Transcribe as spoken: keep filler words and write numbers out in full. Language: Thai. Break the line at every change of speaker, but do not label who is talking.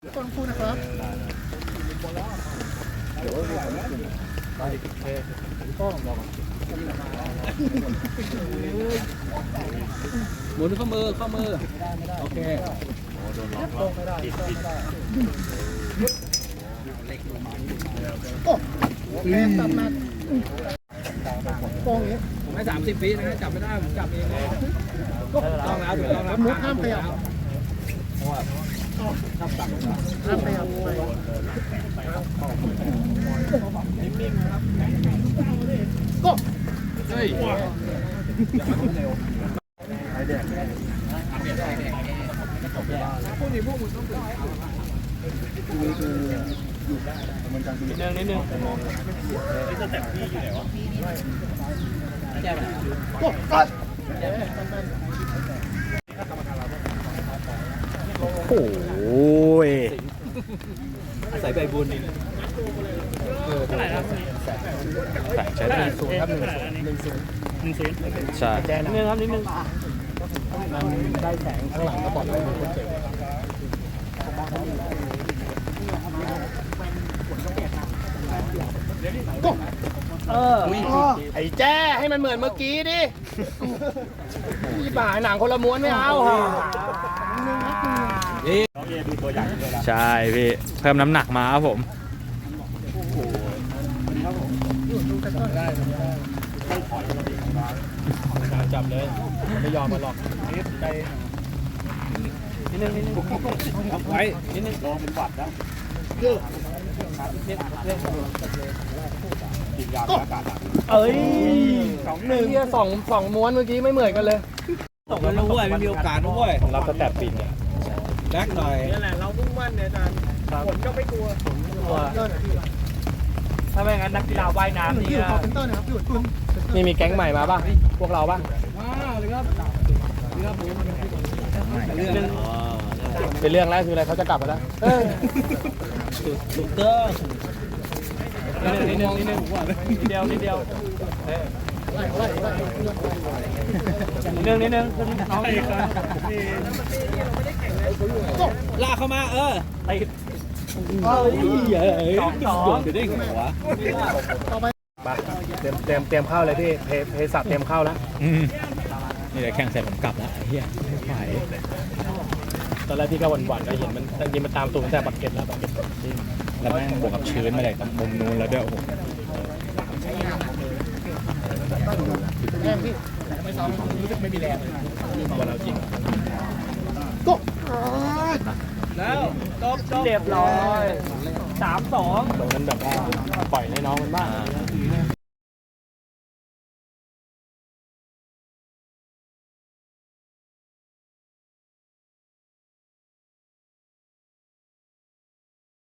ต้นคู่นะครับ
หมุนข้อมือข้อมือโอเคโดนล็อกแล้วติดติด
โอ้แรงตัดมาโป้งนี้
ผมให้สามสิบปีนะจับไม่ได้ผมจับเองเลยต้องแล้วถูกต้องแล้ว
มุดห้ามขยับห้ามขยับไปก็
เฮ้ยพวกนี้พวกมึงต้องนิดนึงนิดนึงนี่จะแต่งพี่อยู่ไหนวะแก้ไปไหน
ก็ก็
โอ้ย
ใส่ใบบุญเท่าไหร่ครับ
ใส่ใช้ได้
ศูนย์ครับหนึ่งศูนย์หนึ่งศูนย์หนึ่งศูนย์
ใช่
นิดนึงครับนิดนึง
มันได้แสงข้างหลังก็บอกเลยคนเจ็บก็
เออ
ไอ้แจ้ให้มันเหมือนเมื่อกี้ดิที่บ่ายหนังคนละม้วนไม่เอาฮะ
นี่น้องเอดูตัวใหญ่เลยนะ
ใช่พี่เพิ่มน้ำหนักมาครับผม
ได้
จับเลยไม่ยอมมาหรอกนิดไปนิดนึงนิดนึงไว้นิดนึงลองเป็นหวัดนะเยอะกินยาอากาศ
เอ้ยสองหนึ่งที่สองสองม้วนเมื่อกี้ไม่เหมือนกันเลย
ตกแล้วนะเว้ยไม่มีโอกาสนะเว้ย
ของเราก็แต่ปิดเนี่ย
แรกหน่อย
นี่แหละเรามุ่งมั่นเนี่ยอาจารย์ผลก็ไม่กลัวผลไม่กลัว
ถ้าไม่งั้นนักกีฬาว่ายน้ำนี่
นี่มีแก๊งใหม่มาป่ะพวกเราป่ะ
มาเลยครับครับผม
เรื่องเป็นเรื่องแรกคืออะไรเขาจะกลับมาแล้ว
ถูกต้องนิดนึงนิดนึงนิดเดียวนิดเดียวนิดนึงนิดนึงน้องลากเข้ามาเออไอ้
เฮ้ย
สองสองจะได้หัว
เตรียมเตรียมเตรียมเข้าเลยพี่เพเพสัตเตรียมเข้าแล้ว
นี่แหละแข่งเสร็จผมกลับแล้วเฮียไม่ไหว
ตอนแรกพี่ก็หวั่นๆก็เห็นมันยิงมันตามตัวตั้งแต่บัตรเก็ตแล้วบัตรเก็ต
แล้วแม่งบวกกับชื้นมาเลยกับมุมนู้นแล้วด้วยโอ้โห
แรงพี่ไม่ซ้อมรู้สึกไม่มีแรงเลยวันเราจริงก็
แล้วจบ
เรียบร้อยสามสองตรงนั้นแบบว่าปล่อยให้น้องมันบ้าง